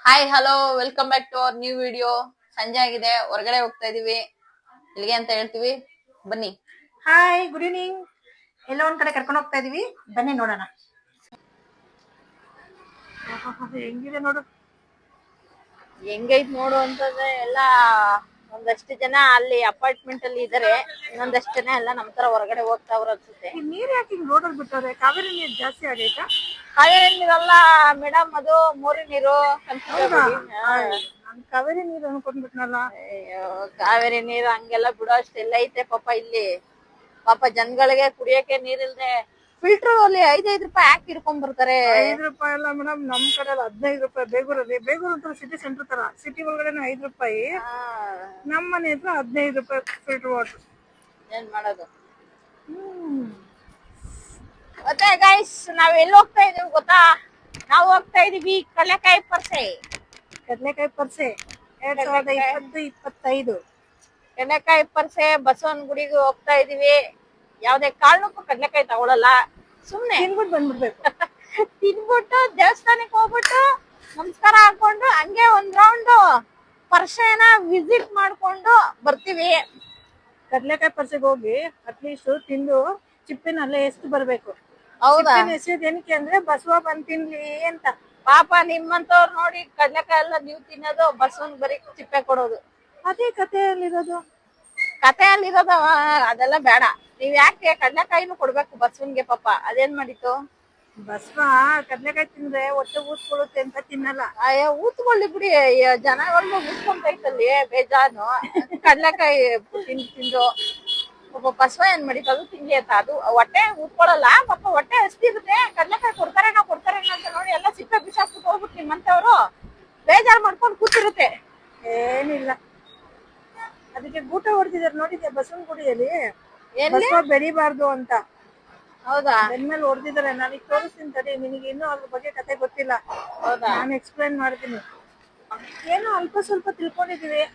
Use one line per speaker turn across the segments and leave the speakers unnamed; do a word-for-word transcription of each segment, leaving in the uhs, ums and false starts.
Hi hello welcome back to our new video. ಸಂಜೆ ಆಗಿದೆ, ಹೊರಗಡೆ ಹೋಗ್ತಾ ಇದೀವಿ. ಇಲ್ಲಿಗೆ ಅಂತ ಹೇಳ್ತೀವಿ, ಬನ್ನಿ.
Hi, good evening. ಎಲ್ಲ ಒಂದ್ ಕಡೆ ಕರ್ಕೊಂಡು ಹೋಗ್ತಾ ಇದೀವಿ, ಬನ್ನಿ ನೋಡೋಣ. ಹೆಂಗಿದೆ ನೋಡು,
ಹೆಂಗೈತ್ ನೋಡು ಅಂತಂದ್ರೆ ಎಲ್ಲ ಒಂದಷ್ಟು ಜನ ಅಲ್ಲಿ ಅಪಾರ್ಟ್ಮೆಂಟ್ ಅಲ್ಲಿ ಇದಾರೆ, ಇನ್ನೊಂದಷ್ಟು ಜನ ಎಲ್ಲ ನಮ್ ತರ ಹೊರಗಡೆ ಹೋಗ್ತಾವ್ರ ಅನ್ಸುತ್ತೆ.
ಈ ನೀರ್ ಯಾಕೆ ಹಿಂಗ್ ರೋಡಲ್ಲಿ ಬಿಟ್ಟವ್ರೆ? ಕಾವೇರಿ ನೀರ್ ಜಾಸ್ತಿ ಆಗೈತಾ?
ಕಾವೇರಿ ನೀರಲ್ಲ ಮೇಡಮ್, ಅದು ಮೋರಿ ನೀರು.
ನಾನ್ ಕಾವೇರಿ ನೀರು ಅನ್ಕೊಂಡ್ಬಿಟ್ನಲ್ಲ.
ಅಯ್ಯೋ, ಕಾವೇರಿ ನೀರು ಹಂಗೆಲ್ಲ ಬಿಡೋ ಅಷ್ಟೆಲ್ಲ ಐತೆ ಪಾಪ ಇಲ್ಲಿ. ಪಾಪ ಜನಗಳಿಗೆ ಕುಡಿಯಕ್ಕೆ ನೀರಿಲ್ದೆ ಫಿಲ್ಟರ್ ಅಲ್ಲಿ ಐದೈದು ರೂಪಾಯಿ ಹಾಕಿ ಇಟ್ಕೊಂಡ್ ಬರ್ತಾರೆ.
ಐದು ರೂಪಾಯಿ ಅಲ್ಲ ಮೇಡಮ್, ನಮ್ ಕಡೆ ಹದಿನೈದು ರೂಪಾಯಿ. ಬೇಗೂರಲ್ಲಿ ಬೇಗೂರು ಅಂತ ಸಿಟಿ ಸೆಂಟರ್ ತರ, ಸಿಟಿ ಒಳಗಡೆ ಐದು ರೂಪಾಯಿ, ನಮ್ ಮನೆ ಹತ್ರ ಹದಿನೈದು ರೂಪಾಯಿ ಫಿಲ್ಟರ್ ವಾಟರ್.
ಏನ್ ಮಾಡೋದು?
ಹ್ಮ್
ಮತ್ತೆ ಗೈಸ್, ನಾವ್ ಎಲ್ಲಿ ಹೋಗ್ತಾ ಇದೀವಿ ಗೊತ್ತಾ? ನಾವು ಹೋಗ್ತಾ ಇದೀವಿ ಕಡಲೆಕಾಯಿ ಪರ್ಸೆ.
ಕಡಲೆಕಾಯಿ ಪರ್ಸೆ ಎರಡ್ ಸಾವಿರದ ಇಪ್ಪತ್ತು ಇಪ್ಪತ್ತೈದು
ಕಡಲೆಕಾಯಿ ಪರ್ಸೆ ಬಸವನ ಗುಡಿಗೆ ಹೋಗ್ತಾ ಇದೀವಿ. ಯಾವ್ದೇ ಕಾರಣಕ್ಕೂ ಕಡಲೆಕಾಯಿ ತಗೊಳಲ್ಲ, ಸುಮ್ನೆ
ತಿನ್ಬಿಟ್ಟು ಬಂದ್ಬಿಡ್ಬೇಕು.
ತಿನ್ಬಿಟ್ಟು ದೇವಸ್ಥಾನಕ್ಕೆ ಹೋಗ್ಬಿಟ್ಟು ನಮಸ್ಕಾರ ಹಾಕೊಂಡು ಹಂಗೆ ಒಂದ್ ರೌಂಡ್ ಪರ್ಸೆನ ವಿಸಿಟ್ ಮಾಡ್ಕೊಂಡು ಬರ್ತೀವಿ.
ಕಡ್ಲೆಕಾಯಿ ಪರ್ಸೆಗೆ ಹೋಗಿ ಅಟ್ಲೀಸ್ಟ್ ತಿಂದು ಚಿಪ್ಪಿನ ಅಲ್ಲೇ ಎಷ್ಟು ಬರ್ಬೇಕು.
ಹೌದಾ?
ಎಸೆಯೋದು ಏನಕ್ಕೆ ಅಂದ್ರೆ ಬಸವ ಬಂದ್ ತಿನ್ಲಿ ಅಂತ.
ಪಾಪ ನಿಮ್ಮಂತವ್ರು ನೋಡಿ ಕಡ್ಲೆಕಾಯಿ ಎಲ್ಲ ನೀವು ತಿನ್ನೋದು, ಬಸವನ್ ಬರೀ ಚಿಪ್ಪೆ ಕೊಡೋದು.
ಅದೇ ಕಥೆಯಲ್ಲಿರೋದು.
ಕಥೆಯಲ್ಲಿರೋದು ಅದೆಲ್ಲ ಬೇಡ. ನೀವ್ ಯಾಕೆ ಕಡ್ಲೆಕಾಯಿನೂ ಕೊಡ್ಬೇಕು ಬಸವನ್ಗೆ? ಪಾಪ ಅದೇನ್ ಮಾಡಿತ್ತು?
ಬಸವ ಕಡ್ಲೆಕಾಯಿ ತಿಂದ್ರೆ ಹೊಟ್ಟೆ ಊದ್ಕೊಳ್ಳುತ್ತೆ ಅಂತ ತಿನ್ನಲ್ಲ.
ಅಯ್ಯೋ, ಊತ್ಕೊಳ್ಳಿ ಬಿಡಿ, ಜನಗಳ್ನು ಊದ್ಕೊಂತೈತಲ್ಲಿ ಬೇಜಾನು. ಕಡ್ಲೆಕಾಯಿ ತಿಂದು ತಿಂದು ಪಾಪ ಬಸವ ಏನ್ ಮಾಡಿತ್ತು? ಅದು ತಿನ್ಲಿ ಅಂತ. ಅದು ಹೊಟ್ಟೆ ಊದ್ಕೊಳ್ಳಲ್ಲ, ಪಾಪ ಹೊಟ್ಟೆ ಹಸ್ತಿರುತ್ತೆ. ಕಡ್ಲೆಕಾಯಿ ಕೊಡ್ತಾರೆ ನಾವು ಕೊಡ್ತಾರೆ ಅಂತ ನೋಡಿ ಎಲ್ಲ ಸಿಪ್ಪೆ ಬಿಸಾಕ್ಬಿಟ್ಟು ಹೋಗ್ಬಿಟ್ಟು ನಿಮ್ಮಂತವ್ರು ಬೇಜಾರ್ ಮಾಡ್ಕೊಂಡು ಕೂತಿರುತ್ತೆ.
ಏನಿಲ್ಲ, ಅದಕ್ಕೆ ಗೂಟ ಹೊಡೆದಿದ್ದಾರೆ ನೋಡಿದ್ಯಾ ಬಸವನ ಗುಡಿಯಲ್ಲಿ?
ಎಲ್ಲಿ?
ಬಸವ ಬೆಳಿಬಾರ್ದು ಅಂತ.
ಹೌದಾ?
ಬೆನ್ಮೇಲೆ ಹೊಡೆದಿದ್ದಾರೆ. ನಾನು ಈಗ ತೋರಿಸ್ತೀನಿ ತಡಿ, ನಿನಗೆ ಇನ್ನೂ ಅದ್ರ ಬಗ್ಗೆ ಕತೆ ಗೊತ್ತಿಲ್ಲ.
ಹೌದಾ?
ನಾನು ಎಕ್ಸ್ಪ್ಲೈನ್ ಮಾಡ್ತೀನಿ. ಏನೋ ಅಲ್ಪ ಸ್ವಲ್ಪ ತಿಳ್ಕೊಂಡಿದೀವಿ.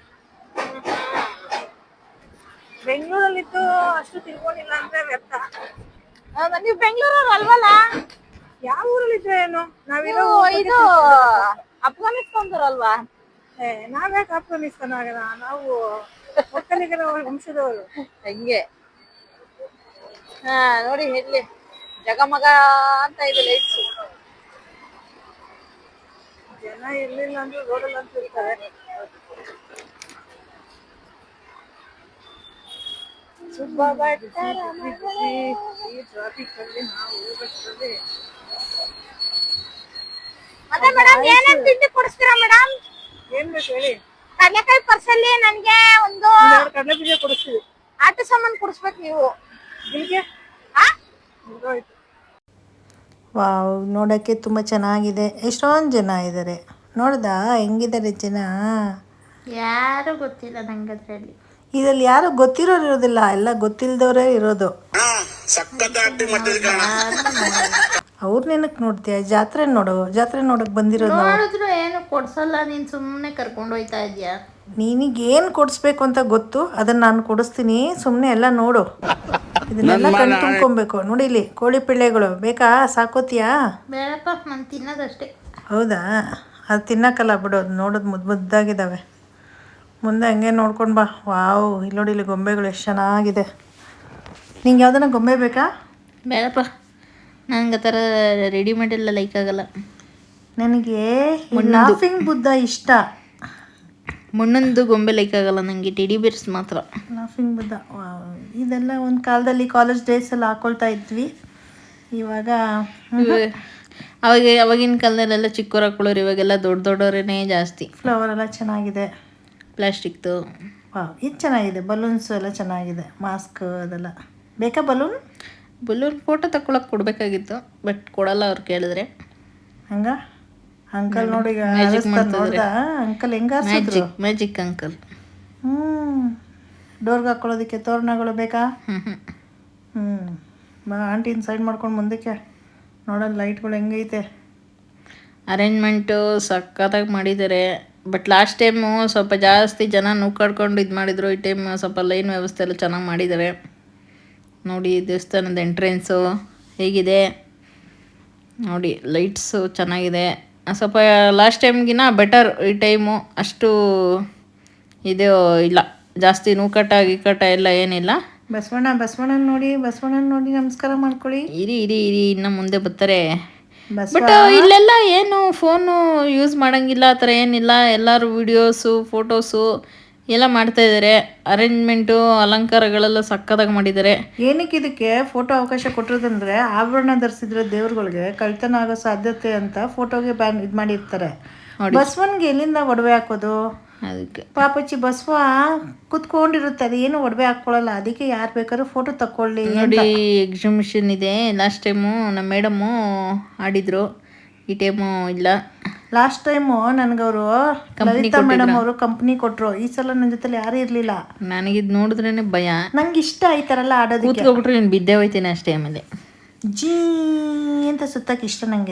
ಬೆಂಗಳೂರಲ್ಲಿದ್ದು ಅಷ್ಟು ತಿಳ್ಕೊಂಡಿಲ್ಲ ಅಂದ್ರೆ ವ್ಯರ್ಥ.
ಹೌದಾ? ನೀವು ಬೆಂಗಳೂರವ್ರು ಅಲ್ವಲ್ಲ?
ಯಾವ ಊರಲ್ಲಿದ್ರೆ ಏನು? ನಾವಿರೋ
ಇದು ಅಫ್ಘಾನಿಸ್ತಾನದವ್ರಲ್ವಾ?
ಏ ನಾವ್ಯಾಕೆ ಆಫ್ಘಾನಿಸ್ತಾನ ಆಗೋಣ? ನಾವು ಒಕ್ಕಲಿಗರ ವಂಶದವರು.
ಹಂಗೆ. ಹಾ ನೋಡಿ, ಇಲ್ಲಿ ಜಗಮಗ ಅಂತ ಇದೆ ಲೈಟ್ಸ್.
ಜನ ಇರ್ಲಿಲ್ಲ ಅಂದ್ರೆ ರೋಡಲ್ಲಿ ಅಂತ ಇರ್ತಾರೆ. ಈ ಟ್ರಾಫಿಕ್ ಅಲ್ಲಿ ನಾವು ಹೋಗೋಷ್ಟರಲ್ಲಿ
ಮತ್ತೆ ಮೇಡಮ್, ಏನೇನ್ ತಿಂಡಿ ಕೊಡಿಸ್ತೀರಾ ಮೇಡಮ್?
ಏನ್ ಬೇಕು ಹೇಳಿ?
ಕಡಲೆಕಾಯಿ ಪರ್ಸಲ್ಲಿ ನನ್ಗೆ ಒಂದು
ಎರಡು ಕಡಲೆ ಬೀಜ ಕೊಡಿಸ್ತೀವಿ.
ಆಟ ಸಾಮಾನು ಕೊಡಿಸ್ಬೇಕು ನೀವು.
ಇಲ್ಲಿಗೆ ವಾವ್, ನೋಡೋಕ್ಕೆ ತುಂಬ ಚೆನ್ನಾಗಿದೆ. ಎಷ್ಟೊಂದು ಜನ ಇದ್ದಾರೆ. ನೋಡ್ದಾ ಹೆಂಗಿದ್ದಾರೆ ಜನ?
ಯಾರು ಗೊತ್ತಿಲ್ಲ ನಂಗೆ ಅದ್ರಲ್ಲಿ.
ಇದರಲ್ಲಿ ಯಾರು ಗೊತ್ತಿರೋರು ಇರೋದಿಲ್ಲ, ಎಲ್ಲ ಗೊತ್ತಿಲ್ದವರೇ ಇರೋದು. ಅವ್ರ ನೆನಕ್ ನೋಡ್ತೀಯ? ಜಾತ್ರೆ ನೋಡು, ಜಾತ್ರೆ ನೋಡಕ್ ಬಂದಿರೋದು.
ನೋಡಿದ್ರು ಏನು ಕೊಡ್ಸಲ್ಲ, ನೀನ್ ಸುಮ್ಮನೆ ಕರ್ಕೊಂಡು ಹೋಯ್ತಾ ಇದೀಯಾ.
ನಿನಗೇನು ಕೊಡಿಸ್ಬೇಕು ಅಂತ ಗೊತ್ತು, ಅದನ್ನ ನಾನು ಕೊಡಿಸ್ತೀನಿ. ಸುಮ್ಮನೆ ಎಲ್ಲ ನೋಡು, ಇದನ್ನೆಲ್ಲ ಕಣ್ ತುಂಬ್ಕೊಬೇಕು. ನೋಡಿ ಇಲ್ಲಿ ಕೋಳಿ ಪಿಳ್ಳೆಗಳು ಬೇಕಾ? ಸಾಕೋತಿಯಾ?
ಬೇಡಪ್ಪ, ನಾನು ತಿನ್ನೋದಷ್ಟೇ.
ಹೌದಾ? ಅದು ತಿನ್ನಕ್ಕಲ್ಲ ಬಿಡು, ಅದು ನೋಡೋದು ಮುದ್ದು ಮುದ್ದಾಗಿದ್ದಾವೆ. ಮುಂದೆ ಹಂಗೆ ನೋಡ್ಕೊಂಡು ಬಾ. ವಾವ್, ಇಲ್ಲಿ ನೋಡಿ, ಇಲ್ಲಿ ಗೊಂಬೆಗಳು ಎಷ್ಟು ಚೆನ್ನಾಗಿದೆ. ನಿಂಗೆ ಯಾವ್ದನ್ನ ಗೊಂಬೆ ಬೇಕಾ?
ಬೇಡಪ್ಪ, ನಂಗೆ ಆ ಥರ ರೆಡಿಮೇಡ್ ಎಲ್ಲ ಲೈಕ್ ಆಗಲ್ಲ.
ನನಗೆ ಲಾಫಿಂಗ್ ಬುದ್ಧ ಇಷ್ಟ.
ಮಣ್ಣೊಂದು ಗೊಂಬೆ ಲೈಕ್ ಆಗಲ್ಲ ನನಗೆ, ಟೆಡಿ ಬೇರ್ಸ್ ಮಾತ್ರ.
ಲಾಫಿಂಗ್ ಬುದ್ಧ ಇದೆಲ್ಲ ಒಂದು ಕಾಲದಲ್ಲಿ ಕಾಲೇಜ್ ಡೇಸಲ್ಲಿ ಹಾಕೊಳ್ತಾ ಇದ್ವಿ. ಇವಾಗ
ಅವಾಗ ಅವಾಗಿನ ಕಾಲದಲ್ಲೆಲ್ಲ ಚಿಕ್ಕವ್ರು ಹಾಕೊಳ್ಳೋರು, ಇವಾಗೆಲ್ಲ ದೊಡ್ಡ ದೊಡ್ಡವರೇ ಜಾಸ್ತಿ.
ಫ್ಲವರ್ ಎಲ್ಲ ಚೆನ್ನಾಗಿದೆ,
ಪ್ಲಾಸ್ಟಿಕ್ದು.
ವಾವ್, ಇದು ಚೆನ್ನಾಗಿದೆ. ಬಲೂನ್ಸು ಎಲ್ಲ ಚೆನ್ನಾಗಿದೆ. ಮಾಸ್ಕ್ ಅದೆಲ್ಲ ಬೇಕಾ? ಬಲೂನ್
ಬಲೂನ್ ಫೋಟೋ ತಗೊಳಕ್ಕೆ ಕೊಡಬೇಕಾಗಿತ್ತು, ಬಟ್ ಕೊಡಲ್ಲ ಅವ್ರು ಕೇಳಿದ್ರೆ.
ಹಂಗ ಅಂಕಲ್ ನೋಡಿ, ನೋಡ್ದ ಅಂಕಲ್ ಹೆಂಗ
ಮ್ಯಾಜಿಕ್ ಮ್ಯಾಜಿಕ್ ಅಂಕಲ್.
ಹ್ಞೂ ಡೋರ್ಗೆ ಹಾಕೊಳ್ಳೋದಕ್ಕೆ ತೋರಣಗಳು ಬೇಕಾ?
ಹ್ಞೂ
ಹ್ಞೂ ಬಾ ಆಂಟಿನ ಸೈಡ್ ಮಾಡ್ಕೊಂಡು ಮುಂದಕ್ಕೆ ನೋಡೋಣ ಲೈಟ್ಗಳು ಹೆಂಗೈತೆ.
ಅರೇಂಜ್ಮೆಂಟು ಸಖತ್ತಾಗಿ ಮಾಡಿದ್ದಾರೆ. ಬಟ್ ಲಾಸ್ಟ್ ಟೈಮು ಸ್ವಲ್ಪ ಜಾಸ್ತಿ ಜನ ನೂಕಾಡ್ಕೊಂಡು ಇದು ಮಾಡಿದರು. ಈ ಟೈಮ್ ಸ್ವಲ್ಪ ಲೈನ್ ವ್ಯವಸ್ಥೆ ಎಲ್ಲ ಚೆನ್ನಾಗಿ ಮಾಡಿದ್ದಾರೆ. ನೋಡಿ ದೇವಸ್ಥಾನದ ಎಂಟ್ರೆನ್ಸು ಹೇಗಿದೆ ನೋಡಿ, ಲೈಟ್ಸು ಚೆನ್ನಾಗಿದೆ.
ಸ್ವಲ್ಪ ಲಾಸ್ಟ್ ಟೈಮ್ಗಿನ ಬೆಟರ್ ಈ ಟೈಮು. ಅಷ್ಟು ಇದು ಇಲ್ಲ, ಜಾಸ್ತಿ ನೂಕಟ ಗಿಕಟ ಎಲ್ಲ ಏನಿಲ್ಲ.
ಬಸವಣ್ಣ ಬಸವಣ್ಣನ ನೋಡಿ ಬಸವಣ್ಣನ ನೋಡಿ ನಮಸ್ಕಾರ ಮಾಡ್ಕೊಳ್ಳಿ.
ಇರಿ ಇರಿ ಇರಿ ಇನ್ನು ಮುಂದೆ ಬರ್ತಾರೆ.
ಬಸವ
ಬಟ್ ಇಲ್ಲೆಲ್ಲ ಏನು ಫೋನು ಯೂಸ್ ಮಾಡೋಂಗಿಲ್ಲ, ಆ ಥರ ಏನಿಲ್ಲ. ಎಲ್ಲರೂ ವೀಡಿಯೋಸು ಫೋಟೋಸು ಎಲ್ಲ ಮಾಡ್ತಾಯಿದ್ದಾರೆ. ಅರೇಂಜ್ಮೆಂಟು ಅಲಂಕಾರಗಳೆಲ್ಲ ಸಕ್ಕತ್ತಾಗಿ ಮಾಡಿದ್ದಾರೆ.
ಏನಕ್ಕೆ ಇದಕ್ಕೆ ಫೋಟೋ ಅವಕಾಶ ಕೊಟ್ಟಿರೋದಂದ್ರೆ ಆಭರಣ ಧರಿಸಿದ್ರೆ ದೇವ್ರುಗಳಿಗೆ ಕಳ್ತನ ಆಗೋ ಸಾಧ್ಯತೆ ಅಂತ ಫೋಟೋಗೆ ಬ್ಯಾನ್ ಇದು ಮಾಡಿರ್ತಾರೆ. ಬಸವನ್ಗೆ ಎಲ್ಲಿಂದ ಒಡವೆ ಹಾಕೋದು?
ಅದಕ್ಕೆ
ಪಾಪಚ್ಚಿ ಬಸವ ಕುತ್ಕೊಂಡಿರುತ್ತೆ, ಅದು ಏನು ಒಡವೆ ಹಾಕ್ಕೊಳ್ಳಲ್ಲ. ಅದಕ್ಕೆ ಯಾರು ಬೇಕಾದ್ರೂ ಫೋಟೋ ತಕ್ಕೊಳ್ಳಿ
ನೋಡಿ. ಎಕ್ಸಿಬಿಷನ್ ಇದೆ. ಲಾಸ್ಟ್ ಟೈಮು ನಮ್ಮ ಮೇಡಮ್ಮು ಆಡಿದ್ರು, ಈ ಟೈಮು ಇಲ್ಲ.
ಲಾಸ್ಟ್ ಟೈಮು ನನಗವರು ಲಲಿತಾ ಮೇಡಮ್ ಅವರು ಕಂಪ್ನಿ ಕೊಟ್ಟರು. ಈ ಸಲ ನನ್ನ ಜೊತೆ ಯಾರೂ ಇರಲಿಲ್ಲ.
ನನಗಿದು ನೋಡಿದ್ರೇ ಭಯ.
ನಂಗೆ ಇಷ್ಟ ಈ ಥರ ಎಲ್ಲ ಆಡೋದಕ್ಕೆ.
ಕೂತ್ಕೊಬಿಟ್ರೆ ನೀನು ಬಿದ್ದೇ ಹೋಯ್ತೀನಿ ಅಷ್ಟೇ. ಆಮೇಲೆ
ಜೀ ಅಂತ ಸುತ್ತಕ್ಕೆ ಇಷ್ಟ ನನಗೆ.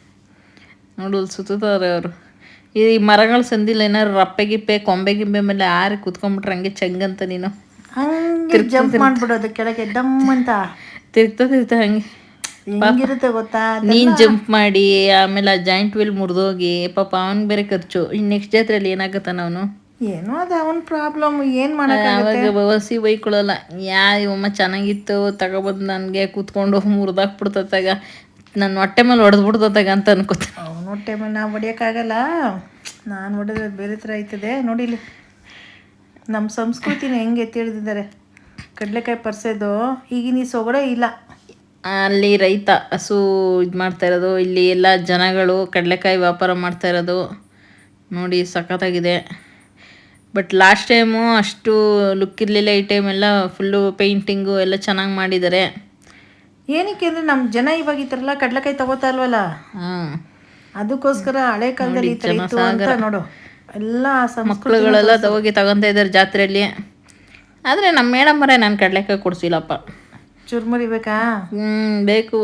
ನೋಡು ಸುತ್ತಾರೆ ಅವರು. ಈ ಮರಗಳ ಸಂದಿಲ್ಲ ಏನಾರು ರಪ್ಪೆ ಗಿಪ್ಪೆ ಕೊಂಬೆ ಗಿಂಬೆ ಮೇಲೆ ಆರಿ ಕೂತ್ಕೊಂಡ್ಬಿಟ್ರೆ ಹಂಗೆ ಚಂಗಂತ ನೀನು
ಹಂಗೆ ಜಂಪ್ ಮಾಡ್ಬಿಡೋದು ಕೆಳಗೆ ಡಮ್ ಅಂತ
ತಿರ್ಗ್ತಾ ತಿರ್ಗ್ತಾ ಹಂಗೆ
ಹೆಂಗಿರುತ್ತೆ ಗೊತ್ತಾ?
ನೀನು ಜಂಪ್ ಮಾಡಿ ಆಮೇಲೆ ಆ ಜಾಯಿಂಟ್ ವೀಲ್ ಮುರಿದೋಗಿ ಪಾಪ ಅವ್ನಿಗೆ ಬೇರೆ ಖರ್ಚು. ಇನ್ನು ನೆಕ್ಸ್ಟ್ ಜಾತ್ರೆಯಲ್ಲಿ ಏನಾಗತ್ತಾನ ಅವನು?
ಏನೋ ಅದು ಅವನ ಪ್ರಾಬ್ಲಮ್, ಏನು ಮಾಡೋಕ್ಕಾಗುತ್ತೆ?
ಅವಾಗ ಬಸಿ ಬೈಕೊಳ್ಳಲ್ಲ. ಯಾ ಇವಮ್ಮ ಚೆನ್ನಾಗಿತ್ತು ತಗೊಬಂದು ನನಗೆ ಕೂತ್ಕೊಂಡು ಮುರಿದಾಕ್ಬಿಡ್ತತ್ತಾಗ, ನನ್ನ ಹೊಟ್ಟೆ ಮೇಲೆ ಹೊಡೆದ್ಬಿಡ್ತತ್ತಾಗ ಅಂತ ಅನ್ಕೋತ.
ಅವನ ಹೊಟ್ಟೆ ಮೇಲೆ ನಾವು ಹೊಡಿಯೋಕ್ಕಾಗಲ್ಲ. ನಾನು ಹೊಡೆದ್ರೆ ಬೇರೆ ಥರ ಆಯ್ತದೆ. ನೋಡಿಲಿ ನಮ್ಮ ಸಂಸ್ಕೃತಿನ ಹೆಂಗೆ ಎತ್ತಿ ಹಿಡಿದಿದ್ದಾರೆ. ಕಡಲೆಕಾಯಿ ಪರ್ಸೋದು ಈಗಿನ ಈ ಸೊಗಡೆ ಇಲ್ಲ.
ಅಲ್ಲಿ ರೈತ ಹಸು ಇದು ಮಾಡ್ತಾ ಇರೋದು, ಇಲ್ಲಿ ಎಲ್ಲ ಜನಗಳು ಕಡಲೆಕಾಯಿ ವ್ಯಾಪಾರ ಮಾಡ್ತಾ ಇರೋದು ನೋಡಿ ಸಖತ್ತಾಗಿದೆ. ಬಟ್ ಲಾಸ್ಟ್ ಟೈಮು ಅಷ್ಟು ಲುಕ್ ಇರಲಿಲ್ಲ. ಈ ಟೈಮೆಲ್ಲ ಫುಲ್ಲು ಪೇಂಟಿಂಗು ಎಲ್ಲ ಚೆನ್ನಾಗಿ ಮಾಡಿದ್ದಾರೆ.
ಏನಕ್ಕೆ ಅಂದರೆ ನಮ್ಮ ಜನ ಇವಾಗ ಈ ಥರ ಎಲ್ಲ ಕಡಲೆಕಾಯಿ ತಗೋತಾ ಇಲ್ವಲ್ಲ,
ಹಾಂ,
ಅದಕ್ಕೋಸ್ಕರ ಹಳೆ ಕಾಲದಲ್ಲಿ ಈ ಥರ ಇತ್ತು ಅಂತ ನೋಡು. ಎಲ್ಲ
ಮಕ್ಕಳುಗಳೆಲ್ಲ ಹೋಗಿ ತಗೊತಾ ಇದ್ದಾರೆ ಜಾತ್ರೆಯಲ್ಲಿ. ಆದರೆ ನಮ್ಮ ಮೇಡಮ್ಮರೇ ನಾನು ಕಡಲೆಕಾಯಿ ಕೊಡಿಸಿಲ್ಲಪ್ಪ.
ಚುರ್ಮುರಿ ಬೇಕಾ?
ಹ್ಞೂ ಬೇಕು.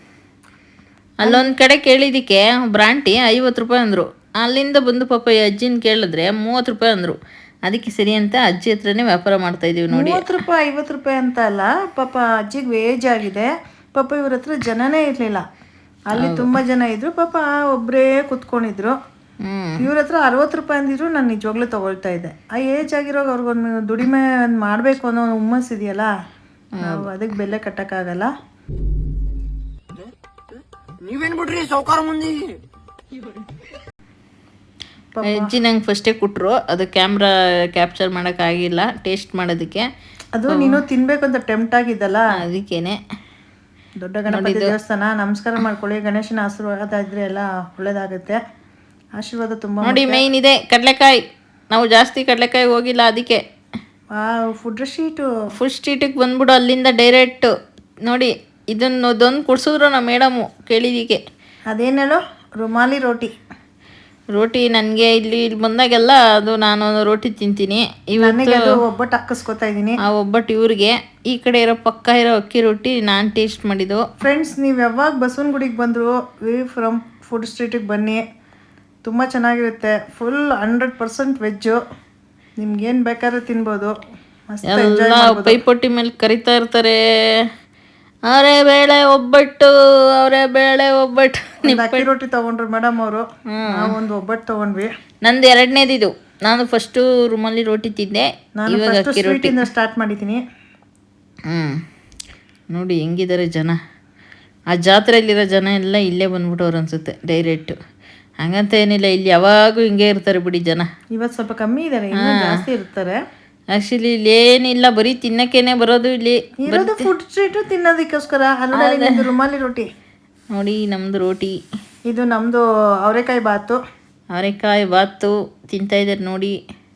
ಅಲ್ಲೊಂದು ಕಡೆ ಕೇಳಿದ್ದಕ್ಕೆ ಬ್ರಾಂಟಿ ಐವತ್ತು ರೂಪಾಯಿ ಅಂದರು. ಅಲ್ಲಿಂದ ಬಂದು ಪಾಪ ಈ ಅಜ್ಜಿನ ಕೇಳಿದ್ರೆ ಮೂವತ್ತು ರೂಪಾಯಿ ಅಂದರು. ಅದಕ್ಕೆ ಸರಿ ಅಂತ ಅಜ್ಜಿ ಹತ್ರನೇ ವ್ಯಾಪಾರ ಮಾಡ್ತಾಯಿದ್ದೀವಿ ನೋಡಿ.
ಮೂವತ್ತು ರೂಪಾಯಿ ಐವತ್ತು ರೂಪಾಯಿ ಅಂತ ಅಲ್ಲ, ಪಾಪ ಅಜ್ಜಿಗೆ ವೇಜ್ ಆಗಿದೆ. ಪಾಪ ಇವ್ರ ಹತ್ರ ಜನನೇ ಇರಲಿಲ್ಲ. ಅಲ್ಲಿ ತುಂಬ ಜನ ಇದ್ರು, ಪಾಪ ಒಬ್ಬರೇ ಕುತ್ಕೊಂಡಿದ್ರು. ಇವ್ರ ಹತ್ರ ಅರವತ್ತು ರೂಪಾಯಿ ಅಂದಿದ್ರು. ನಾನು ನಿಜವಾಗ್ಲೂ ತೊಗೊಳ್ತಾ ಇದ್ದೆ. ಆ ಏಜ್ ಆಗಿರೋವಾಗ ಅವ್ರಿಗೊಂದು ದುಡಿಮೆ ಒಂದು ಮಾಡಬೇಕು ಅನ್ನೋ ಹುಮ್ಮಸ್ ಇದೆಯಲ್ಲ, ನಾವು ಅದಕ್ಕೆ ಬೆಲೆ ಕಟ್ಟಕ್ಕಾಗಲ್ಲ.
ನೀವೇನ್ ಬಿಡ್ರಿ ಸೌಕಾರ ಮಂದಿ.
ಅಜ್ಜಿ ನಂಗೆ ಫಸ್ಟೇ ಕೊಟ್ಟರು. ಅದು ಕ್ಯಾಮ್ರಾ ಕ್ಯಾಪ್ಚರ್ ಮಾಡೋಕ್ಕಾಗಿಲ್ಲ ಟೇಸ್ಟ್ ಮಾಡೋದಕ್ಕೆ.
ಅದು ನೀನು ತಿನ್ಬೇಕು ಅಂತ ಟೆಂಪ್ಟ್ ಆಗಿದ್ದಲ್ಲ,
ಅದಕ್ಕೇನೆ.
ದೊಡ್ಡ ಗಣಪತಿ ದೇವಸ್ಥಾನ ನಮಸ್ಕಾರ ಮಾಡ್ಕೊಳ್ಳಿ. ಗಣೇಶನ ಆಶೀರ್ವಾದ ಇದ್ರೆ ಎಲ್ಲ ಒಳ್ಳೇದಾಗುತ್ತೆ. ಆಶೀರ್ವಾದ ತುಂಬ
ನೋಡಿ. ಮೇಯ್ನ್ ಇದೆ ಕಡಲೆಕಾಯಿ. ನಾವು ಜಾಸ್ತಿ ಕಡಲೆಕಾಯಿ ಹೋಗಿಲ್ಲ ಅದಕ್ಕೆ.
ಫುಡ್ ಸ್ಟ್ರೀಟು
ಫುಡ್ ಸ್ಟ್ರೀಟಿಗೆ ಬಂದ್ಬಿಡು, ಅಲ್ಲಿಂದ ಡೈರೆಕ್ಟು ನೋಡಿ. ಇದನ್ನು ಅದೊಂದು ಕೊಡ್ಸಿದ್ರು ನಮ್ಮ ಮೇಡಮು ಕೇಳಿದಿಕ್ಕೆ.
ಅದೇನೇಳು ರುಮಾಲಿ ರೋಟಿ.
ರೋಟಿ ನನಗೆ ಇಲ್ಲಿ ಇಲ್ಲಿ ಬಂದಾಗೆಲ್ಲ ಅದು ನಾನು ರೋಟಿ ತಿಂತೀನಿ. ಇವತ್ತು
ಒಬ್ಬಟ್ಟು ಹಾಕಿಸ್ಕೊತಾ ಇದ್ದೀನಿ.
ಆ ಒಬ್ಬಟ್ಟು ಇವ್ರಿಗೆ, ಈ ಕಡೆ ಇರೋ ಪಕ್ಕ ಇರೋ ಅಕ್ಕಿ ರೊಟ್ಟಿ ನಾನು ಟೇಸ್ಟ್ ಮಾಡಿದ್ದು.
ಫ್ರೆಂಡ್ಸ್, ನೀವು ಯಾವಾಗ ಬಸವನಗುಡಿಗೆ ಬಂದರು ವಿ ಫ್ರಮ್ ಫುಡ್ ಸ್ಟ್ರೀಟಿಗೆ ಬನ್ನಿ. ತುಂಬ ಚೆನ್ನಾಗಿರುತ್ತೆ. Full hundred percent veg. ನಿಮ್ಗೇನು ಬೇಕಾದ್ರೂ ತಿನ್ಬೋದು.
ಎಲ್ಲ ಪೈಪೊಟ್ಟಿ ಮೇಲೆ ಕರಿತಾ ಇರ್ತಾರೆ. ಅವರೇ ಬೇಳೆ ಒಬ್ಬಟ್ಟು, ಅವರೇ ಬೇಳೆ ಒಬ್ಬಟ್ಟು.
ಅಕ್ಕಿ ರೊಟ್ಟಿ ತೊಗೊಂಡ್ರು ಮೇಡಮ್ ಅವರು. ನಾವು ಒಂದು ಒಬ್ಬಟ್ಟು ತೊಗೊಂಡ್ವಿ.
ನಂದು ಎರಡನೇದಿದು. ನಾನು ಫಸ್ಟು ರುಮಾಲಿ ರೋಟಿ ತಿಂದೆ, ಇವಾಗ ಅಕ್ಕಿ ರೊಟ್ಟಿಯಿಂದ
ಸ್ಟಾರ್ಟ್ ಮಾಡಿದ್ದೀನಿ.
ಹ್ಞೂ ನೋಡಿ ಹೆಂಗಿದ್ದಾರೆ ಜನ. ಆ ಜಾತ್ರೆಯಲ್ಲಿರೋ ಜನ ಎಲ್ಲ ಇಲ್ಲೇ ಬಂದ್ಬಿಟ್ಟವ್ರು ಅನಿಸುತ್ತೆ ಡೈರೆಕ್ಟು. ಹಂಗಂತ ಏನಿಲ್ಲ, ಇಲ್ಲಿ ಯಾವಾಗೂ ಹಿಂಗೆ ಇರ್ತಾರೆ ಬಿಡಿ ಜನ.
ಇವತ್ತು ಸ್ವಲ್ಪ ಕಮ್ಮಿ ಇದ್ದಾರೆ, ಜಾಸ್ತಿ ಇರ್ತಾರೆ.
ಆ್ಯಕ್ಚುಲಿ ಇಲ್ಲಿ ಏನಿಲ್ಲ, ಬರೀ ತಿನ್ನಕ್ಕೇನೆ ಬರೋದು. ಇಲ್ಲಿ
ಇರೋದು ಫುಡ್ ಸ್ಟ್ರೀಟು ತಿನ್ನೋದಕ್ಕೋಸ್ಕರ. ಅಲ್ಲದೆ ರುಮಾಲಿ ರೋಟಿ
ನೋಡಿ. ನಮ್ಮದು ರೋಟಿ,
ಇದು ನಮ್ಮದು ಅವರೆಕಾಯಿ ಬಾತು.
ಅವರೆಕಾಯಿ ಬಾತು ತಿಂತಾಯಿದ್ದಾರೆ ನೋಡಿ.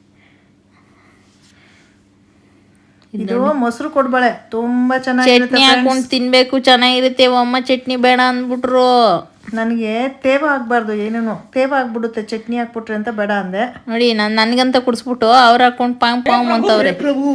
ಇದು ಮೊಸರು ಕೊಡ್ಬಳೆ ತುಂಬ ಚೆನ್ನಾಗಿರುತ್ತೆ.
ಚಟ್ನಿ ಹಾಕೊಂಡು ತಿನ್ಬೇಕು, ಚೆನ್ನಾಗಿರುತ್ತೆ. ಅಮ್ಮ ಚಟ್ನಿ ಬೇಡ ಅಂದ್ಬಿಟ್ರು.
ನನಗೆ ತೇವ ಆಗ್ಬಾರ್ದು, ಏನೇನು ತೇವ ಆಗ್ಬಿಡುತ್ತೆ ಚಟ್ನಿ ಹಾಕ್ಬಿಟ್ರೆ ಅಂತ ಬೇಡ ಅಂದೆ.
ನೋಡಿ ನಾನು ನನಗಂತ ಕುಡಿಸ್ಬಿಟ್ಟು ಅವ್ರು ಹಾಕೊಂಡು ಪಾಂಗ್ ಪಾಂಗ್ ಅಂತವ್ರೆ.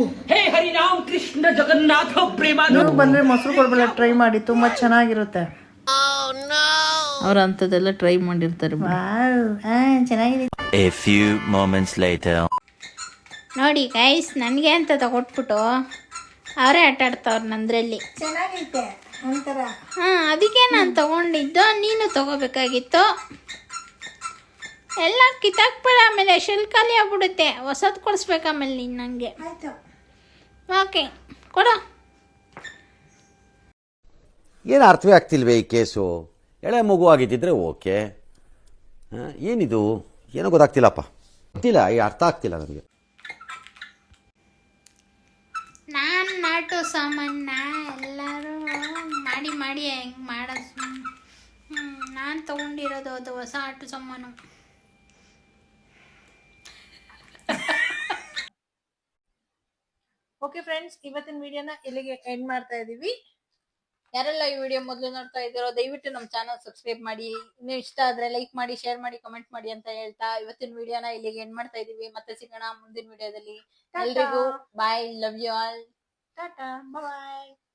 ನೀವು ಬಂದರೆ ಮೊಸರು ಕೊಡ್ಬಳೆ ಟ್ರೈ ಮಾಡಿ, ತುಂಬ ಚೆನ್ನಾಗಿರುತ್ತೆ.
ಅವ್ರು ಅಂಥದ್ದೆಲ್ಲ ಟ್ರೈ ಮಾಡಿರ್ತಾರೆ.
ಚೆನ್ನಾಗಿದೆ.
A few moments later.
ನೋಡಿ ಗೈಸ್, ನನಗೆ ಅಂತ ತಗೊಟ್ಬಿಟ್ಟು ಅವರೇ ಆಟ ಆಡ್ತಾವ್ರು ನಂದ್ರಲ್ಲಿ.
ಚೆನ್ನಾಗೈತೆ ಒಂಥರ.
ಹಾಂ, ಅದಕ್ಕೆ ನಾನು ತಗೊಂಡಿದ್ದು. ನೀನು ತಗೋಬೇಕಾಗಿತ್ತು. ಎಲ್ಲ ಕಿತ್ತಾಕ್ಬೇಡ, ಆಮೇಲೆ ಶೆಲ್ ಖಾಲಿ ಆಗ್ಬಿಡುತ್ತೆ. ಹೊಸದು ಕೊಡಿಸ್ಬೇಕು ಆಮೇಲೆ ನೀನು ನನಗೆ.
ಆಯ್ತು.
ಓಕೆ ಕೊಡು.
ಏನು ಅರ್ಥವೇ ಆಗ್ತಿಲ್ವೇ ಈ ಕೇಸು? ಎಳೆ ಮಗು ಆಗಿದ್ದಿದ್ರೆ ಓಕೆ. ಹಾಂ, ಏನಿದು ಏನೋ ಗೊತ್ತಾಗ್ತಿಲ್ಲಪ್ಪ, ಗೊತ್ತಿಲ್ಲ, ಈ ಅರ್ಥ ಆಗ್ತಿಲ್ಲ ನನಗೆ.
ನಾನು ನಾಟು ಸಾಮಾನ ಎಲ್ಲರೂ ಮಾಡಿ ಮಾಡಿ ಹೆಂಗೆ ಮಾಡೋದು. ಹ್ಞೂ ನಾನು ತೊಗೊಂಡಿರೋದು ಅದು ಹೊಸ ಆಟು ಸಾಮಾನು.
ಓಕೆ ಫ್ರೆಂಡ್ಸ್, ಇವತ್ತಿನ ವಿಡಿಯೋನ ಇಲ್ಲಿಗೆ ಎಂಡ್ ಮಾಡ್ತಾ ಇದೀವಿ. ಯಾರೆಲ್ಲ ಈ ವಿಡಿಯೋ ಮೊದಲು ನೋಡ್ತಾ ಇದ್ದೀರೋ ದಯವಿಟ್ಟು ನಮ್ಮ ಚಾನಲ್ ಸಬ್ಸ್ಕ್ರೈಬ್ ಮಾಡಿ. ಇನ್ನು ಇಷ್ಟ ಆದ್ರೆ ಲೈಕ್ ಮಾಡಿ, ಶೇರ್ ಮಾಡಿ, ಕಮೆಂಟ್ ಮಾಡಿ ಅಂತ ಹೇಳ್ತಾ ಇವತ್ತಿನ ವಿಡಿಯೋನ ಇಲ್ಲಿಗೆ ಎಂಡ್ ಮಾಡ್ತಾ ಇದೀವಿ. ಮತ್ತೆ ಸಿಗೋಣ ಮುಂದಿನ ವಿಡಿಯೋದಲ್ಲಿ. ಎಲ್ರಿಗೂ bye, love you all, tata, bye.